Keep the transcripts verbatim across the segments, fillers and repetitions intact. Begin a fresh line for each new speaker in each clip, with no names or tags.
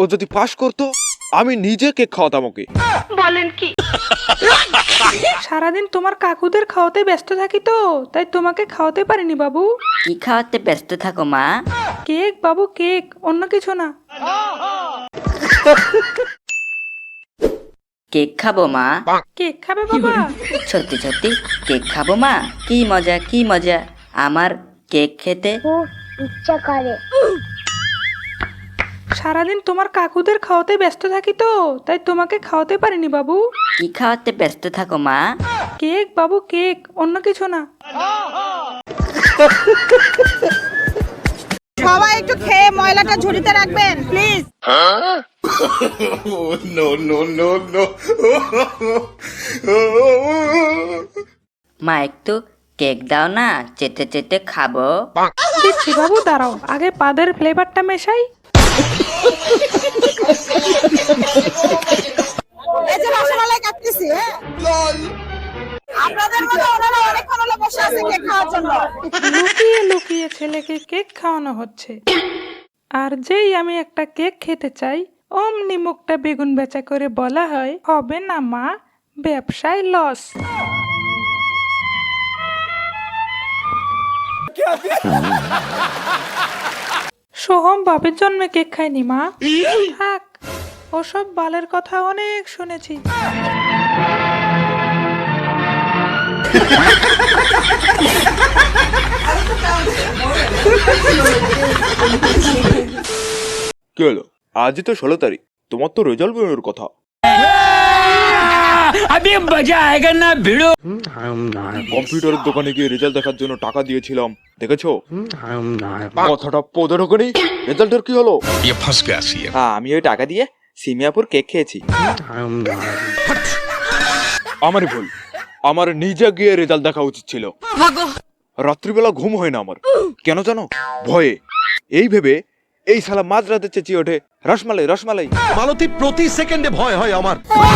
ও যদি পাস করতো আমি নিজে কেক খাওয়াতাম ওকে।
বলেন কি?
সারাদিন তোমার কাকুদের খাওয়াতে ব্যস্ত থাকি তো, তাই তোমাকে খাওয়াতে পারিনি বাবু।
কি খাওয়াতে ব্যস্ত থাকো মা?
কেক বাবু, কেক, অন্য কিছু না।
কেক খাবো মা?
কেক খাবে বাবা?
সত্যি সত্যি কেক খাবো মা? কি মজা কি মজা আমার কেক খেতে।
ইচ্ছা করে।
সারাদিন তোমার কাকুদের খাওয়াতে ব্যস্ত থাকি তো, তাই তোমাকে খাওয়াতে পারিনি বাবু।
কি খাওয়াতে ব্যস্ত থাকো মা?
কেক বাবু, কেক, অন্য কিছু না।
সবাই একটু খেয়ে ময়লাটা ঝুড়িতে রাখবেন প্লিজ।
মা একটু কেক দাও না, চেটে চেটে খাবো।
দিচ্ছি বাবু, দাঁড়াও, আগে পাদের ফ্লেভারটা মেশাই।
এই যে রসমালাই কাটতেছি, হ্যাঁ আপনাদের মতো ওনারা অনেকক্ষণ হলো বসে আছে কেক খাওয়ার জন্য।
লুকিয়ে লুকিয়ে ছেলেকে কেক খাওয়ানো হচ্ছে, আর যেই আমি একটা কেক খেতে চাই অমনি মুখটা বেগুন বেচা করে বলা হয়, হবে না মা, ব্যবসায় লস। সোহম বাপের জন্মে কেক খায়নি মা। থাক, ওসব বালের কথা অনেক শুনেছি।
কি হলো? আজই তো ষোলো তারিখ, তোমার তো রেজাল্ট বেরোনোর কথা। কম্পিউটারের দোকানে গিয়ে রেজাল্ট দেখার জন্য টাকা দিয়েছিলাম, দেখেছো? কথাটা পদে ঢোকেনি। রেজাল্টের কি হলো?
হ্যাঁ, আমি ওই টাকা দিয়ে সিমিয়াপুর কেক খেয়েছি।
আমারই ভুল, আমার নিজে গিয়ে রেজাল্ট দেখা উচিত ছিল। রাত্রিবেলা ঘুম হয় না আমার, কেন জানো? ভয়ে। এই ভেবে এই শালা মাঝরাতে চেঁচিয়ে ওঠে, রসমালাই রসমালাই।
মালতী, প্রতি সেকেন্ডে ভয় হয় আমার।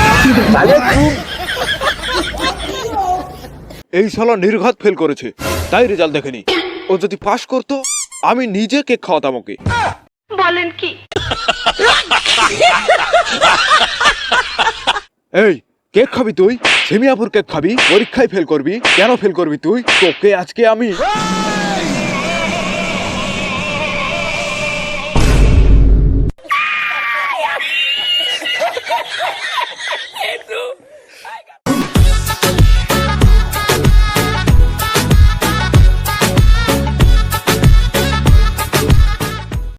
এই শালা নির্ঘাত ফেল করেছে, তাই রেজাল্ট দেখেনি। ও যদি পাস করতো আমি নিজে কেক খাওয়াতাম ওকে।
বলেন কি?
এই কেক খাবি তুই? সেমিয়াপুর কেক খাবি? পরীক্ষায় ফেল করবি? কেন ফেল করবি তুই? তোকে আজকে আমি